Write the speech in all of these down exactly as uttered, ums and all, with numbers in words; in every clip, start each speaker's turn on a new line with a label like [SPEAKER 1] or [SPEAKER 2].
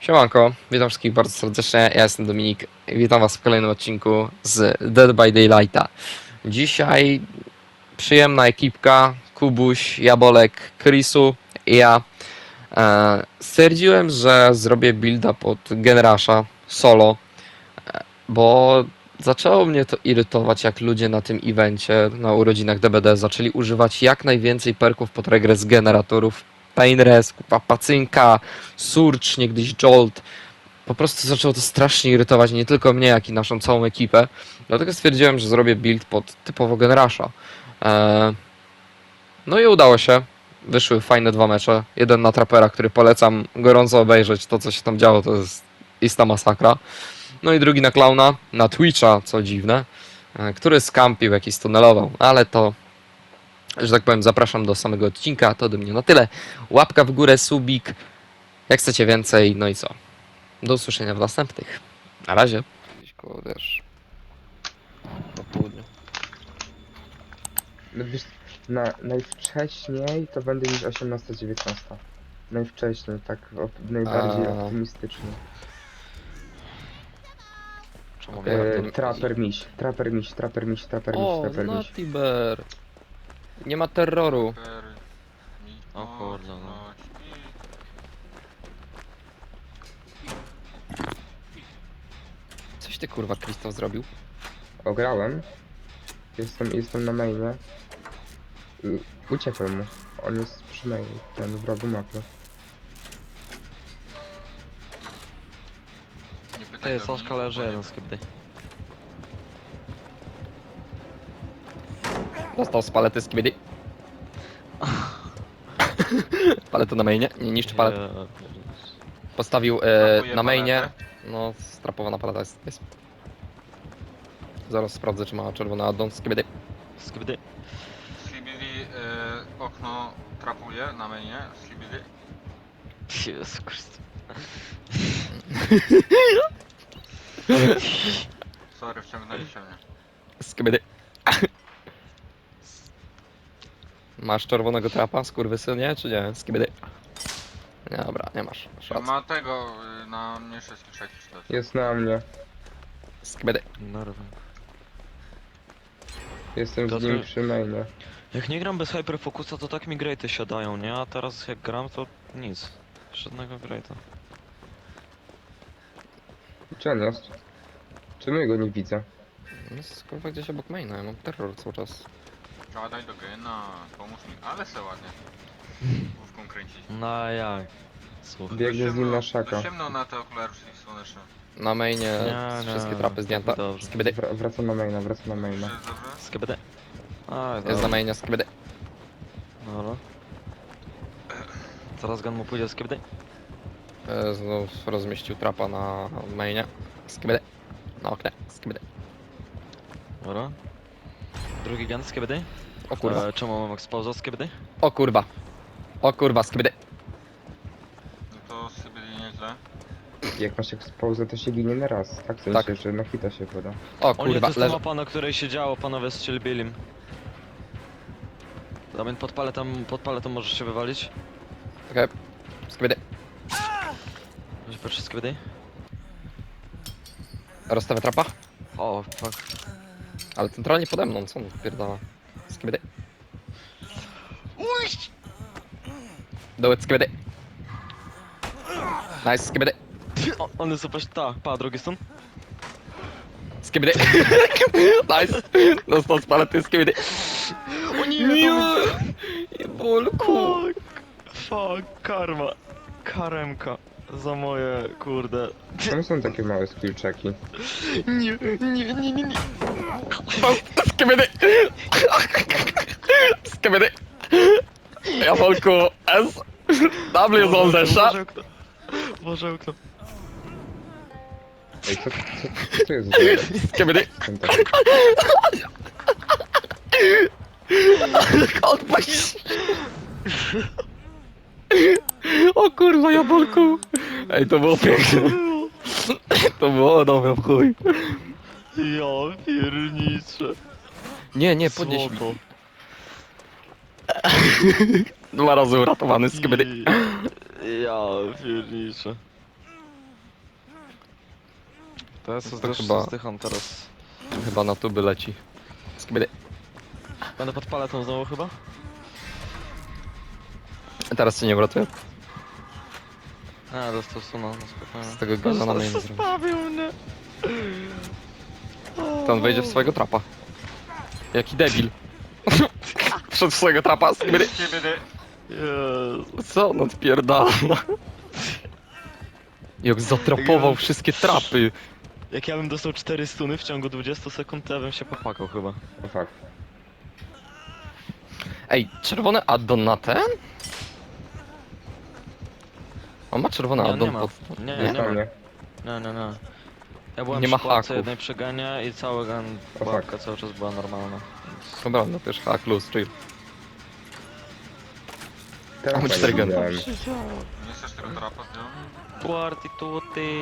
[SPEAKER 1] Siemanko, witam wszystkich bardzo serdecznie, ja jestem Dominik i witam was w kolejnym odcinku z Dead by Daylighta. Dzisiaj przyjemna ekipka, Kubuś, Jabolek, Chrisu i ja. E, stwierdziłem, że zrobię builda pod Genrasha solo, e, bo zaczęło mnie to irytować, jak ludzie na tym evencie, na urodzinach D B D zaczęli używać jak najwięcej perków pod regres generatorów. Painres, kupa pacynka, Surge, niegdyś Jolt. Po prostu zaczęło to strasznie irytować nie tylko mnie, jak i naszą całą ekipę. Dlatego stwierdziłem, że zrobię build pod typowo Genrasha. Eee, no i udało się. Wyszły fajne dwa mecze. Jeden na Trapera, który polecam gorąco obejrzeć. To, co się tam działo, to jest ista masakra. No i drugi na Clowna, na Twitcha, co dziwne, e, który skampił, jakiś tunelował. Ale to, że tak powiem, zapraszam do samego odcinka. To ode mnie na tyle. Łapka w górę, subik. Jak chcecie więcej, no i co? Do usłyszenia w następnych. Na razie. Gdzieś koło, wiesz, po południu.
[SPEAKER 2] No wiesz, na, najwcześniej to będę niż osiemnasta dziewiętnasta. Najwcześniej, tak op, najbardziej
[SPEAKER 1] A.
[SPEAKER 2] optymistycznie.
[SPEAKER 1] Czemu
[SPEAKER 2] E, traper miś, traper miś, traper miś, traper miś,
[SPEAKER 1] O,
[SPEAKER 2] traper miś.
[SPEAKER 1] Natiber. Nie ma terroru.
[SPEAKER 3] O kurde, no.
[SPEAKER 1] Coś ty kurwa Krzysztof zrobił?
[SPEAKER 2] Ograłem. Jestem, jestem na mainie. I uciekłem mu. On jest przy mainie, ten w rogu mapy.
[SPEAKER 3] Nie pytaj
[SPEAKER 4] Ty,
[SPEAKER 3] go,
[SPEAKER 4] Soszka
[SPEAKER 3] nie
[SPEAKER 4] leży
[SPEAKER 3] powiem.
[SPEAKER 4] jeden skipty.
[SPEAKER 1] Dostał z palety z kibidi. Paletę na mainie. Nie niszczy palet. Postawił e,
[SPEAKER 3] Trapuje
[SPEAKER 1] na mainie.
[SPEAKER 3] paletę.
[SPEAKER 1] No, strapowana paleta jest. jest. Zaraz sprawdzę, czy ma czerwony addon z kibidi.
[SPEAKER 4] Skipty.
[SPEAKER 3] Slibidi y, okno trapuje na mainie. Slibidi.
[SPEAKER 4] Jezu Chryste.
[SPEAKER 3] Sorry, wciągnęliście mnie.
[SPEAKER 1] Z kibidi. Masz czerwonego trapa, skurwysynie, czy nie? Z kibidi. Nie, dobra, nie masz. masz rację.
[SPEAKER 3] Ma tego y, na mniejsze skrzeki śledź.
[SPEAKER 2] Jest na mnie.
[SPEAKER 1] Z kibidi.
[SPEAKER 4] Nerwy.
[SPEAKER 2] Jestem z
[SPEAKER 4] Piotrek?
[SPEAKER 2] nim przy mainie.
[SPEAKER 4] Jak nie gram bez hyperfokusa, to tak mi graty siadają, nie? A teraz jak gram, to nic. Żadnego grata.
[SPEAKER 2] Gdzie on jest? Czemu ja go nie widzę?
[SPEAKER 1] No, jest kurwa gdzieś obok maina, ja mam terror cały czas.
[SPEAKER 3] Żadaj do gena, pomóż mi. Ale se ładnie. Główką kręcić.
[SPEAKER 4] No jak? Słuchaj.
[SPEAKER 2] Biegnę z nim na szaka.
[SPEAKER 3] Dość ciemno na te okulary słoneczne.
[SPEAKER 1] Na mainie
[SPEAKER 4] Nie,
[SPEAKER 1] wszystkie
[SPEAKER 4] nie,
[SPEAKER 1] trapy zdjęte.
[SPEAKER 4] dobrze.
[SPEAKER 1] Skibidi.
[SPEAKER 2] Wra wracam na maina, wracam na maina.
[SPEAKER 3] Czy jest dobrze?
[SPEAKER 4] Skipty. A,
[SPEAKER 1] Jest na mainie, skibidi.
[SPEAKER 4] Dobra. Zaraz gun mu pójdzie skipty.
[SPEAKER 1] E, Znów rozmieścił trapa na mainie. Skibidi. Na oknie. Skibidi.
[SPEAKER 4] Dobra. Drugi gun skipty.
[SPEAKER 1] O kurwa.
[SPEAKER 4] E, czemu mam exposa skipty?
[SPEAKER 1] O kurwa. O kurwa, skibidi.
[SPEAKER 3] No to Slibidi nieźle.
[SPEAKER 2] Jak masz exposę, to się ginie na raz. Tak, w sensie,
[SPEAKER 1] Tak.
[SPEAKER 2] że na hita się poda.
[SPEAKER 1] O
[SPEAKER 4] O nie, to
[SPEAKER 1] kurwa,
[SPEAKER 4] jest ta
[SPEAKER 1] leży.
[SPEAKER 4] mapa, na której się działo, panowie strzelbili im. Damian, pod paletą, pod paletą możesz się wywalić.
[SPEAKER 1] Okej. Skibidi.
[SPEAKER 4] Może patrzeć skipty?
[SPEAKER 1] Rozstawę trapa.
[SPEAKER 4] O, fuck.
[SPEAKER 1] Ale centralnie pode mną, co on pierdala? Skibidi. Do it, skibidi. Nice, skibidi.
[SPEAKER 4] O, on jest opaść, ta, pa, drugi stun.
[SPEAKER 1] Skibidi. Nice. Dostał z palety, skibidi.
[SPEAKER 4] O nie,
[SPEAKER 1] Nie, bolku.
[SPEAKER 4] Fuck, fuck, karma. Karemka. Za moje, kurde.
[SPEAKER 2] Czemu są takie małe skill checki?
[SPEAKER 4] Nie, nie, nie, nie, nie.
[SPEAKER 1] Skibidi. Skibidi. Ja bolku. S. W zone desza.
[SPEAKER 4] Boże okno. Boże okno.
[SPEAKER 2] Ej, co, co, co jest za
[SPEAKER 1] Skibidi.
[SPEAKER 2] ten taki?
[SPEAKER 1] Odpaść. O kurwa, jabolku. Ej, to było piękne. To było dobre w chuj.
[SPEAKER 4] Ja pierniczę.
[SPEAKER 1] Nie, nie, podnieś mi.
[SPEAKER 4] Złoto.
[SPEAKER 1] Dwa razy uratowany z kibidi.
[SPEAKER 4] Ja pierniczę. To ja
[SPEAKER 1] To
[SPEAKER 4] sobie
[SPEAKER 1] chyba-
[SPEAKER 4] też chyba... zdycham teraz.
[SPEAKER 1] Chyba na tuby leci. Skibidi.
[SPEAKER 4] Będę pod paletą znowu chyba?
[SPEAKER 1] Teraz cię nie uratuje.
[SPEAKER 4] Nie, dostał suna, no spokojnie.
[SPEAKER 1] Z tego gana na mnie nie zrobi.
[SPEAKER 4] Zostawił mnie!
[SPEAKER 1] To on wejdzie w swojego trapa. Jaki debil. Wszedł w swojego trapa. Skibidi.
[SPEAKER 3] Skibidi.
[SPEAKER 4] Jezu.
[SPEAKER 1] Co on odpierdala? Jak zatrapował wszystkie trapy.
[SPEAKER 4] Jak ja bym dostał cztery stuny w ciągu dwudziestu sekund, to ja bym się popłakał chyba.
[SPEAKER 2] O fuck.
[SPEAKER 1] Ej, czerwony addon na ten? On ma czerwony
[SPEAKER 4] Nie,
[SPEAKER 1] addon
[SPEAKER 4] nie ma.
[SPEAKER 1] pod...
[SPEAKER 4] Nie,
[SPEAKER 1] Nie?
[SPEAKER 4] nie ma.
[SPEAKER 2] Nie.
[SPEAKER 4] Nie, nie, nie. Ja byłem
[SPEAKER 1] Nie
[SPEAKER 4] przy
[SPEAKER 1] ma
[SPEAKER 4] pułapce
[SPEAKER 1] haków.
[SPEAKER 4] jednej przegania i cała gan
[SPEAKER 2] O,
[SPEAKER 4] pułapka cały czas była normalna. Więc...
[SPEAKER 1] Dobra, no też hack luz, chill.
[SPEAKER 2] Teraz
[SPEAKER 1] Mamy
[SPEAKER 2] nie
[SPEAKER 1] cztery geny.
[SPEAKER 2] widziałem.
[SPEAKER 3] Nie chcesz tego trapa zdjąć?
[SPEAKER 4] Tuarty tuty.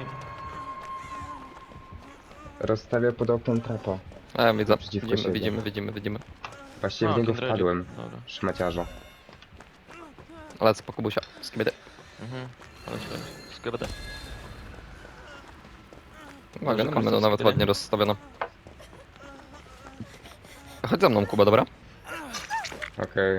[SPEAKER 2] Rozstawię pod oknem trapa.
[SPEAKER 1] E, widzę.
[SPEAKER 2] Naprzeciwko
[SPEAKER 1] Widzimy,
[SPEAKER 2] siebie.
[SPEAKER 1] widzimy, widzimy, widzimy.
[SPEAKER 2] Właściwie
[SPEAKER 4] A,
[SPEAKER 2] w niego
[SPEAKER 4] Kindredzie.
[SPEAKER 2] wpadłem.
[SPEAKER 4] Dobra.
[SPEAKER 2] Szmaciarza.
[SPEAKER 1] Lecę po kubusia. Skibidi.
[SPEAKER 4] Mhm. Ale się skibidi.
[SPEAKER 1] Uwaga, no
[SPEAKER 4] Może
[SPEAKER 1] mamy to
[SPEAKER 4] korzystać z
[SPEAKER 1] nawet
[SPEAKER 4] gry?
[SPEAKER 1] ładnie rozstawione. Chodź za mną, Kuba, dobra?
[SPEAKER 2] Okej.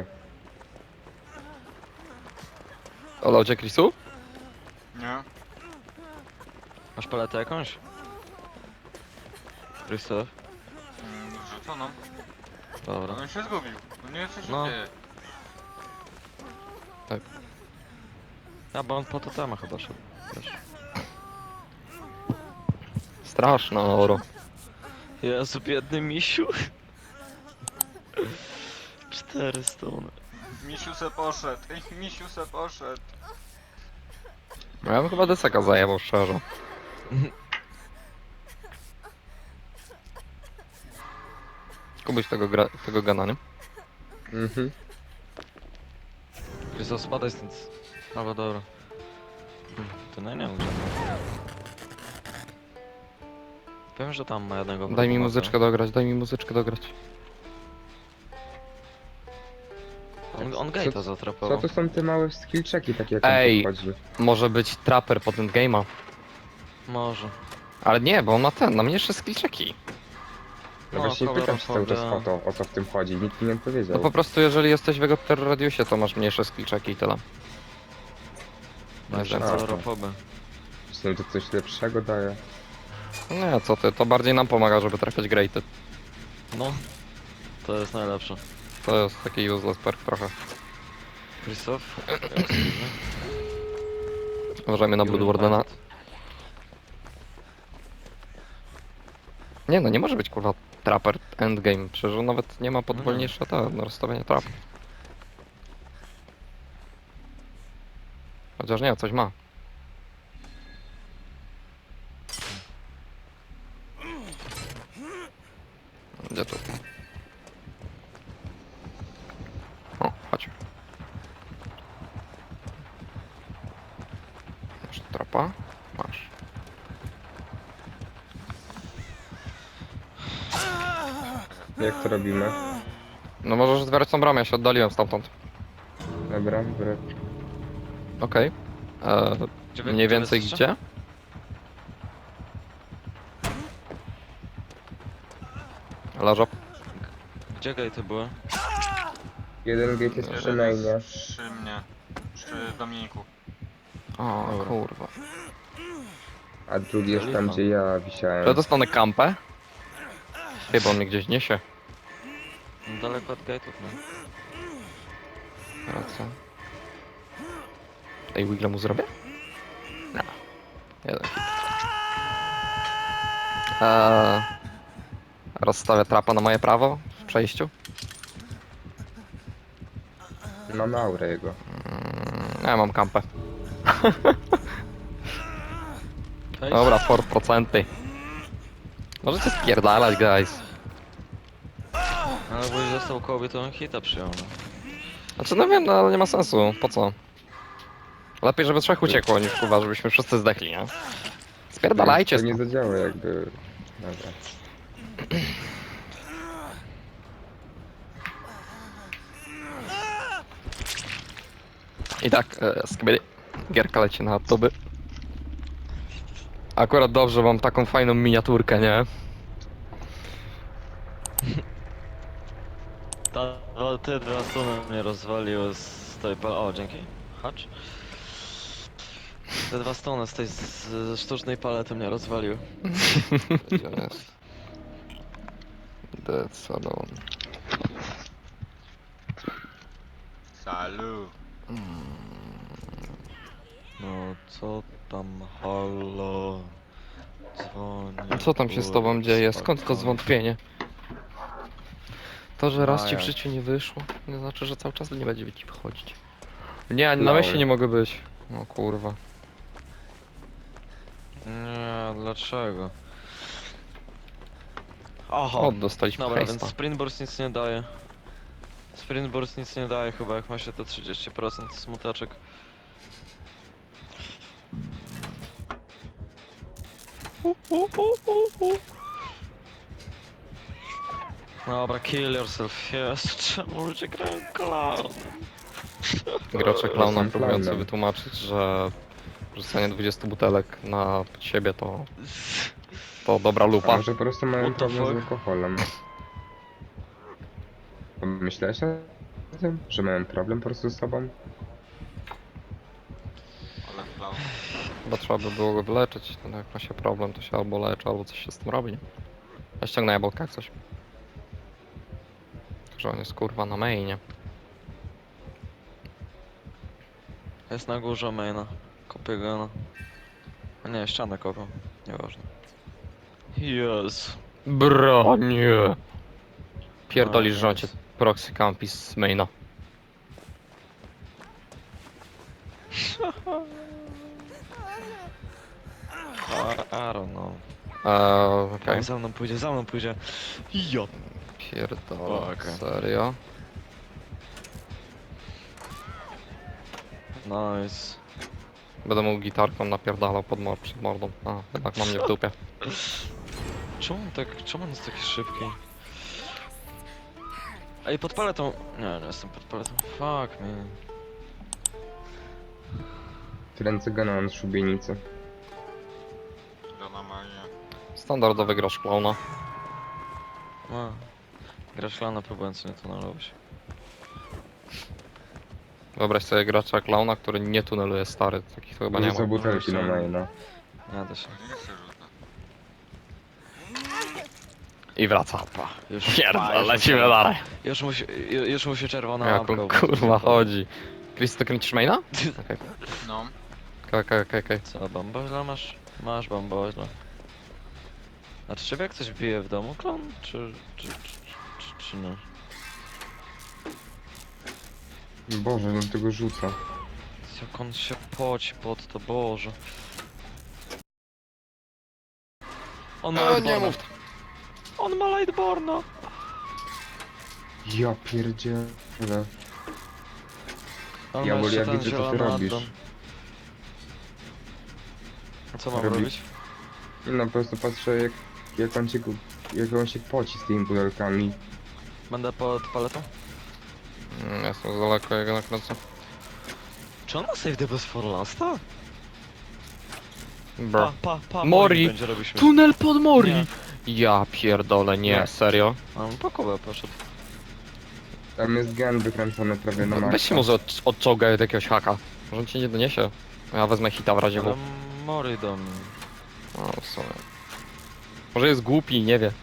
[SPEAKER 1] Olał cię, Chrisu?
[SPEAKER 3] Nie.
[SPEAKER 4] Masz paletę jakąś? Krzysztof?
[SPEAKER 3] Mm, Rzucono.
[SPEAKER 4] Dobra.
[SPEAKER 3] On się zgubił. No nie coś
[SPEAKER 4] No.
[SPEAKER 3] się dzieje.
[SPEAKER 4] Ja, bo on po to tema chyba szedł. Wiesz.
[SPEAKER 1] Straszna oro.
[SPEAKER 4] Jezu, biedny misiu. Cztery stuny.
[SPEAKER 3] Misiu se poszedł. Ej, misiu se poszedł.
[SPEAKER 1] No ja bym chyba deseka zajebał, szczerze. Kubuś tego, gra, tego gana, nie?
[SPEAKER 2] Mhm.
[SPEAKER 4] Krzysztof, spadaj stąd. Albo dobra. Hmm, To nie, nie wiem, gdzie. Wiem, że tam ma jednego.
[SPEAKER 1] Daj mi
[SPEAKER 4] wroga
[SPEAKER 1] muzyczkę dograć, daj mi muzyczkę dograć.
[SPEAKER 4] mapy. On, on gate'a
[SPEAKER 2] Co
[SPEAKER 4] zatrapował.
[SPEAKER 2] to są te małe skill checki takie jak
[SPEAKER 1] Ej.
[SPEAKER 2] on tu wchodzi?
[SPEAKER 1] Może być trapper pod endgame'a.
[SPEAKER 4] Może.
[SPEAKER 1] Ale nie, bo on ma ten, na mnie jeszcze skillczeki.
[SPEAKER 2] No,
[SPEAKER 4] No,
[SPEAKER 2] właśnie pytam się cały czas
[SPEAKER 4] kolorofobia.
[SPEAKER 2] o to, o co w tym chodzi. Nikt mi nie powiedział.
[SPEAKER 1] No po prostu jeżeli jesteś w jego radiusie, to masz mniejsze skillczeki i tyle.
[SPEAKER 4] No, jeszcze
[SPEAKER 2] A.
[SPEAKER 4] kolorofoby.
[SPEAKER 2] Czy to coś lepszego daje?
[SPEAKER 1] Nie, co ty, to bardziej nam pomaga, żeby trafiać graty.
[SPEAKER 4] No. To jest najlepsze.
[SPEAKER 1] To jest taki useless perk trochę.
[SPEAKER 4] Krzysztof?
[SPEAKER 1] Uważajmy na Bloodwardena. Nie no, nie może być kurwa trapper endgame, przecież on nawet nie ma pod
[SPEAKER 4] No nie.
[SPEAKER 1] wolniejsze to na rozstawienie trap. Chociaż nie, coś ma. Gdzie tu? O, chodź. Masz trapa? Masz.
[SPEAKER 2] Jak to robimy?
[SPEAKER 1] No możesz zbierać tą bramę, ja się oddaliłem stamtąd.
[SPEAKER 2] Dobra, dobra.
[SPEAKER 1] Okej. Okay.
[SPEAKER 4] Gdzie wy-
[SPEAKER 1] Mniej
[SPEAKER 4] gdzie wy
[SPEAKER 1] więcej
[SPEAKER 4] jesteście?
[SPEAKER 1] gdzie? Leżą.
[SPEAKER 4] Gdzie gate'y były?
[SPEAKER 2] Jeden gate jest przy
[SPEAKER 3] Jeden
[SPEAKER 2] mainie.
[SPEAKER 3] jest przy mnie. Przy Dominiku.
[SPEAKER 1] O
[SPEAKER 4] Dobra.
[SPEAKER 1] kurwa.
[SPEAKER 2] A drugi jest tam,
[SPEAKER 4] Lipa.
[SPEAKER 2] gdzie ja
[SPEAKER 1] Czy ja
[SPEAKER 2] wisiałem.
[SPEAKER 1] dostanę kampę? Chyba on mnie gdzieś niesie.
[SPEAKER 4] No, daleko od gate'ów, no.
[SPEAKER 1] Racja. Ej, Wigla mu zrobię? No. Jeden hit. Eee, rozstawię trapa na moje prawo w przejściu.
[SPEAKER 2] Mamy aurę jego.
[SPEAKER 1] Mm, ja mam kampę.
[SPEAKER 4] Ej,
[SPEAKER 1] Dobra, cztery procent. Możecie spierdalać, guys.
[SPEAKER 4] Ale boś został koło, to on hita przyjął, no.
[SPEAKER 1] Znaczy, no wiem, no ale nie ma sensu. Po co? Lepiej, żeby trzech uciekło, niż kurwa, żebyśmy wszyscy zdechli, nie? Spierdalajcie
[SPEAKER 2] To nie
[SPEAKER 1] stąd.
[SPEAKER 2] zadziała jakby... Dobra.
[SPEAKER 1] I tak, e, skibidi. Gierka leci na tuby. Akurat dobrze, mam taką fajną miniaturkę, nie?
[SPEAKER 4] Ta, o, te dwa strony mnie rozwaliły z tej pal... O, dzięki. Hacz. Te dwa strony z tej z, ze sztucznej palety mnie rozwaliły.
[SPEAKER 1] Gdzie on jest? Dead Salon.
[SPEAKER 3] Salut.
[SPEAKER 4] No co tam, halo? Dzwoni.
[SPEAKER 1] Co tam się z tobą dzieje? Skąd to
[SPEAKER 4] spokojnie.
[SPEAKER 1] zwątpienie? To, że raz
[SPEAKER 4] No
[SPEAKER 1] ci w
[SPEAKER 4] jak?
[SPEAKER 1] życiu nie wyszło, nie znaczy, że cały czas nie będzie ci wychodzić. Nie, ani na
[SPEAKER 2] Lol.
[SPEAKER 1] myśli nie mogę być. O kurwa.
[SPEAKER 4] Nie, dlaczego? Aha.
[SPEAKER 1] O, dostaliśmy
[SPEAKER 4] Dobra, więc
[SPEAKER 1] hejsta.
[SPEAKER 4] Sprint Burst nic nie daje. Sprint Burst nic nie daje chyba, jak ma się te trzydzieści procent smuteczek. Dobra, kill yourself, jest. Czemu ludzie grają clown?
[SPEAKER 1] Gracze klauna
[SPEAKER 2] Jestem
[SPEAKER 1] próbujący
[SPEAKER 2] klaunem.
[SPEAKER 1] wytłumaczyć, że rzucanie dwudziestu butelek na siebie to, to dobra
[SPEAKER 2] A
[SPEAKER 1] lupa.
[SPEAKER 2] może po prostu mają
[SPEAKER 4] What the
[SPEAKER 2] problem z
[SPEAKER 4] fuck?
[SPEAKER 2] alkoholem? Myślałeś o tym, że mają problem po prostu z sobą?
[SPEAKER 3] Ale klaun.
[SPEAKER 1] Chyba trzeba by było go wyleczyć. No, jak ma się problem, to się albo leczy, albo coś się z tym robi. Nie? Ja ściągnę jabłka jak coś. Że on jest kurwa na mainie.
[SPEAKER 4] Jest na górze maina. Kopię go na... A nie, ścianę kopię. Nieważne. Yes.
[SPEAKER 1] Bro, nie. Pierdolisz,
[SPEAKER 4] No,
[SPEAKER 1] że on cię
[SPEAKER 4] jest.
[SPEAKER 1] proxy campi z maina.
[SPEAKER 4] I, I don't know.
[SPEAKER 1] Eee, okej.
[SPEAKER 4] On za mną pójdzie, za mną pójdzie. Jo.
[SPEAKER 1] Pierdolę,
[SPEAKER 4] O, okej.
[SPEAKER 1] serio?
[SPEAKER 4] Nice.
[SPEAKER 1] Będę mu gitarką napierdalał pod mor przed mordą. A, jednak mam mnie w dupie.
[SPEAKER 4] Czemu on tak, czemu on jest taki szybki? Ej, pod paletą... Nie, nie jestem pod paletą. Fuck me.
[SPEAKER 2] Ręce gana na szubienicy.
[SPEAKER 3] Żona Maria.
[SPEAKER 1] Standardowy gracz klauna.
[SPEAKER 4] No. Grasz lana próbując nie tunelować.
[SPEAKER 1] Wyobraź sobie gracza klauna, który nie tuneluje stary. Takich to chyba nie
[SPEAKER 2] Rzuca
[SPEAKER 1] ma.
[SPEAKER 2] butelki na maina.
[SPEAKER 4] Nie da się.
[SPEAKER 3] Nie chcę rzucać.
[SPEAKER 1] I wraca.
[SPEAKER 4] Pa, już,
[SPEAKER 1] Pierdolę,
[SPEAKER 4] pa, już
[SPEAKER 1] lecimy
[SPEAKER 4] mu się-
[SPEAKER 1] dalej.
[SPEAKER 4] Już mu się, ju- już mu się czerwona
[SPEAKER 1] Jak
[SPEAKER 4] lampka
[SPEAKER 1] on
[SPEAKER 4] obróciła.
[SPEAKER 1] kurwa chodzi. Chris, to kręcisz maina? Okej,
[SPEAKER 3] No.
[SPEAKER 1] okej, okej, okej.
[SPEAKER 4] Co, bamboźla masz? Masz bamboźla. A czy ciebie jak coś bije w domu, klon? Czy, czy, czy, czy, czy nie?
[SPEAKER 2] Boże, no tego rzuca.
[SPEAKER 4] Jak on się poci pod to, Boże. On ma
[SPEAKER 1] O, nie
[SPEAKER 4] Lightborna.
[SPEAKER 1] mów.
[SPEAKER 4] On ma Lightborna.
[SPEAKER 2] Ja pierdzielę.
[SPEAKER 4] On
[SPEAKER 2] Ja
[SPEAKER 4] ma
[SPEAKER 2] wolę,
[SPEAKER 4] jeszcze
[SPEAKER 2] ja
[SPEAKER 4] ten
[SPEAKER 2] widzę, co ty
[SPEAKER 4] zielony
[SPEAKER 2] robisz.
[SPEAKER 4] addon. A co mam
[SPEAKER 2] Robi-
[SPEAKER 4] robić?
[SPEAKER 2] I no po prostu patrzę jak, jak on się gu- jak on się poci z tymi butelkami.
[SPEAKER 4] Będę pod paletą?
[SPEAKER 1] Mm, Jestem za daleko, jego nakręcę.
[SPEAKER 4] Czy on ma save the best for lasta?
[SPEAKER 1] Bro.
[SPEAKER 4] Pa, pa, pa,
[SPEAKER 1] Mori.
[SPEAKER 4] będzie robił śmiech.
[SPEAKER 1] Tunel pod Mori!
[SPEAKER 4] Nie.
[SPEAKER 1] Ja pierdolę, nie,
[SPEAKER 2] Nie.
[SPEAKER 1] serio?
[SPEAKER 4] A on po Kubę poszedł.
[SPEAKER 2] Tam jest gen wykręcony prawie na
[SPEAKER 1] Weź
[SPEAKER 2] maksa.
[SPEAKER 1] się może od, odczołgaj od jakiegoś haka. Może on cię nie doniesie. Ja wezmę hita w razie
[SPEAKER 4] Ale
[SPEAKER 1] W.
[SPEAKER 4] Mori do mnie.
[SPEAKER 1] O, w sumie. Może jest głupi i nie wie.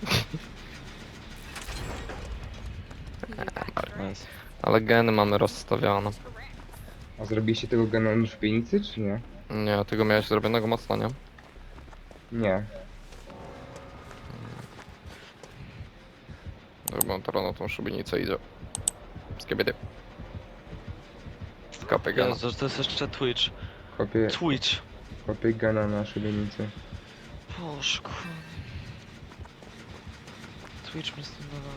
[SPEAKER 4] Nice.
[SPEAKER 1] Ale geny mamy rozstawione.
[SPEAKER 2] A zrobiliście tego gena na szubienicy, czy nie?
[SPEAKER 1] Nie, tego miałeś zrobionego mocno, nie?
[SPEAKER 2] Nie.
[SPEAKER 1] Bo on teraz na tą szubienicę idzie. Z kiebie. Kapy gena.
[SPEAKER 4] Jezu, to jest jeszcze Twitch.
[SPEAKER 2] Kopię,
[SPEAKER 4] Twitch.
[SPEAKER 2] kopię gena na szubienicy.
[SPEAKER 4] Boże, kurde. Twitch mnie stąd nalawał.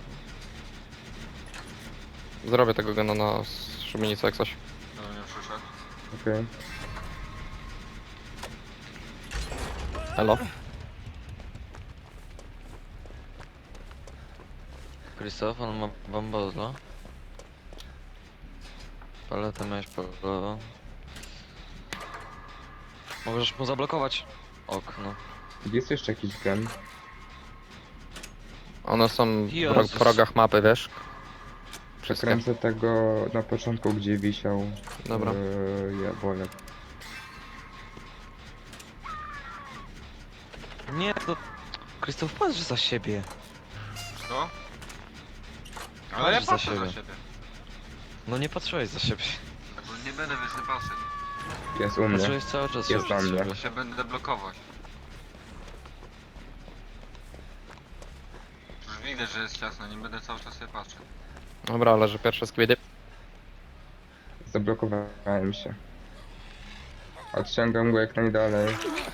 [SPEAKER 1] Zrobię tego gena na szubienicę jak coś.
[SPEAKER 3] Do mnie przyszedł.
[SPEAKER 2] Okej.
[SPEAKER 1] Elo?
[SPEAKER 4] Krzysztof, on ma bambozla. Paletę miałeś palową. Możesz mu zablokować. okno.
[SPEAKER 2] Jest jeszcze jakiś gen.
[SPEAKER 1] One są w ro-
[SPEAKER 4] Jezus.
[SPEAKER 1] po rogach mapy, wiesz? Wszystkie.
[SPEAKER 2] Przekręcę tego na początku, gdzie wisiał.
[SPEAKER 1] Dobra.
[SPEAKER 2] Yy, jabłek.
[SPEAKER 4] Nie, to... Krzysztof, patrz za siebie.
[SPEAKER 3] Co? Ale ja
[SPEAKER 4] Patrz za
[SPEAKER 3] patrzę za
[SPEAKER 4] siebie.
[SPEAKER 3] siebie.
[SPEAKER 4] No nie patrzyłeś za siebie.
[SPEAKER 3] Bo nie będę więcej patrzeć.
[SPEAKER 2] Jest u mnie.
[SPEAKER 4] Patrzyłeś cały czas
[SPEAKER 2] Jest
[SPEAKER 4] już
[SPEAKER 2] na
[SPEAKER 4] za
[SPEAKER 2] mnie.
[SPEAKER 4] siebie.
[SPEAKER 3] Bo się będę blokować. Już widzę, że jest ciasno, nie będę cały czas sobie patrzeć.
[SPEAKER 1] Dobra, leży pierwsze skwidy.
[SPEAKER 2] Zablokowałem się. Odciągam go jak najdalej.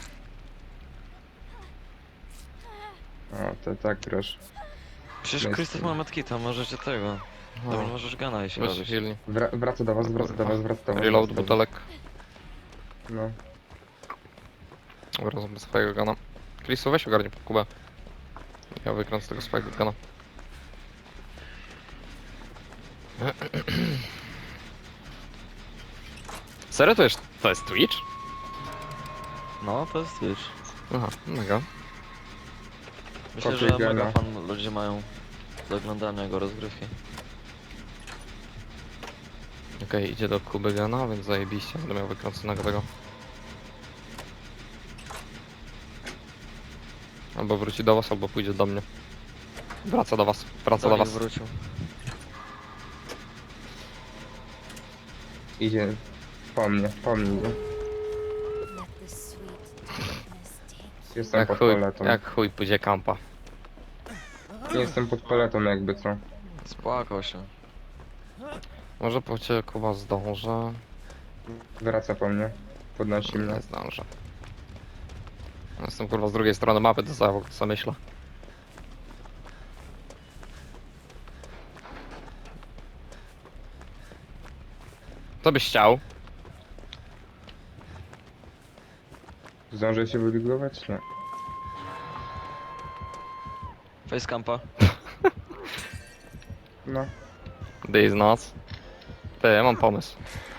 [SPEAKER 2] O, to tak grosz.
[SPEAKER 4] Przecież
[SPEAKER 2] Jest-
[SPEAKER 4] Krzysztof ma medkita, możecie tego. Dobra,
[SPEAKER 1] O,
[SPEAKER 4] możesz gana jeśli
[SPEAKER 1] weź
[SPEAKER 4] robisz.
[SPEAKER 1] healnij.
[SPEAKER 2] Wra wraca do was, wraca do was, wraca do was.
[SPEAKER 1] Reload
[SPEAKER 2] wraca do was.
[SPEAKER 1] butelek.
[SPEAKER 2] No.
[SPEAKER 1] Dobra, zrobię swojego gana. Chrisu, weź ogarnij pod Kubę. Ja wykręcę tego swojego gana. Serio to jest, to jest Twitch?
[SPEAKER 4] No, to jest Twitch.
[SPEAKER 1] Aha, mega.
[SPEAKER 4] Myślę,
[SPEAKER 2] Kopię
[SPEAKER 4] że
[SPEAKER 2] gana.
[SPEAKER 4] mega fan ludzie mają do oglądania jego rozgrywki.
[SPEAKER 1] Okej, idzie do Kuby gana, więc zajebiście. Będę miał wykręconego tego. Albo wróci do was, albo pójdzie do mnie. Wraca do was, wraca do
[SPEAKER 4] Dawid
[SPEAKER 1] was.
[SPEAKER 4] wrócił.
[SPEAKER 2] Idzie po mnie, po mnie. idzie.
[SPEAKER 5] Let the sweet darkness take
[SPEAKER 2] Jestem
[SPEAKER 1] Jak
[SPEAKER 2] pod
[SPEAKER 1] chuj,
[SPEAKER 2] paletą.
[SPEAKER 1] jak chuj pójdzie kampa.
[SPEAKER 2] Nie jestem pod paletą jakby co.
[SPEAKER 4] Spłakał się.
[SPEAKER 1] Może po ciebie Kuba zdążę.
[SPEAKER 2] Wraca po mnie. Podnosi mnie.
[SPEAKER 1] Nie zdążę. Jestem kurwa z drugiej strony mapy, to co, co myślę. Co byś chciał?
[SPEAKER 2] Zdążę się wybigować? Nie.
[SPEAKER 4] Facecampa.
[SPEAKER 2] No.
[SPEAKER 1] This noc. Ty, ja mam pomysł.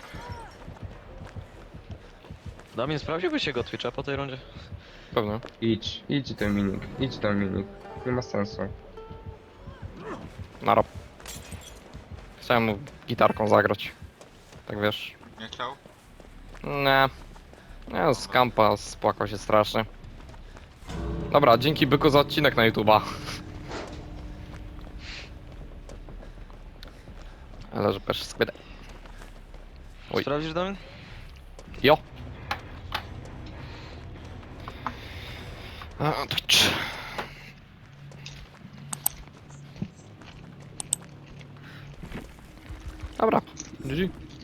[SPEAKER 4] Damian, sprawdziłbyś jego Twitcha po tej rundzie?
[SPEAKER 1] Pewnie.
[SPEAKER 2] Idź, idź Dominik, idź Dominik. Nie ma sensu.
[SPEAKER 1] Nara. Chciałem mu gitarką zagrać. Tak wiesz.
[SPEAKER 3] Nie chciał?
[SPEAKER 1] Nie. Nie, z kampa spłakał się strasznie. Dobra, dzięki byku za odcinek na YouTube'a. Ale że też skwydę. Oj.
[SPEAKER 4] Sprawdzisz, Damian?
[SPEAKER 1] Jo. A, Twitch. Dobra, G G.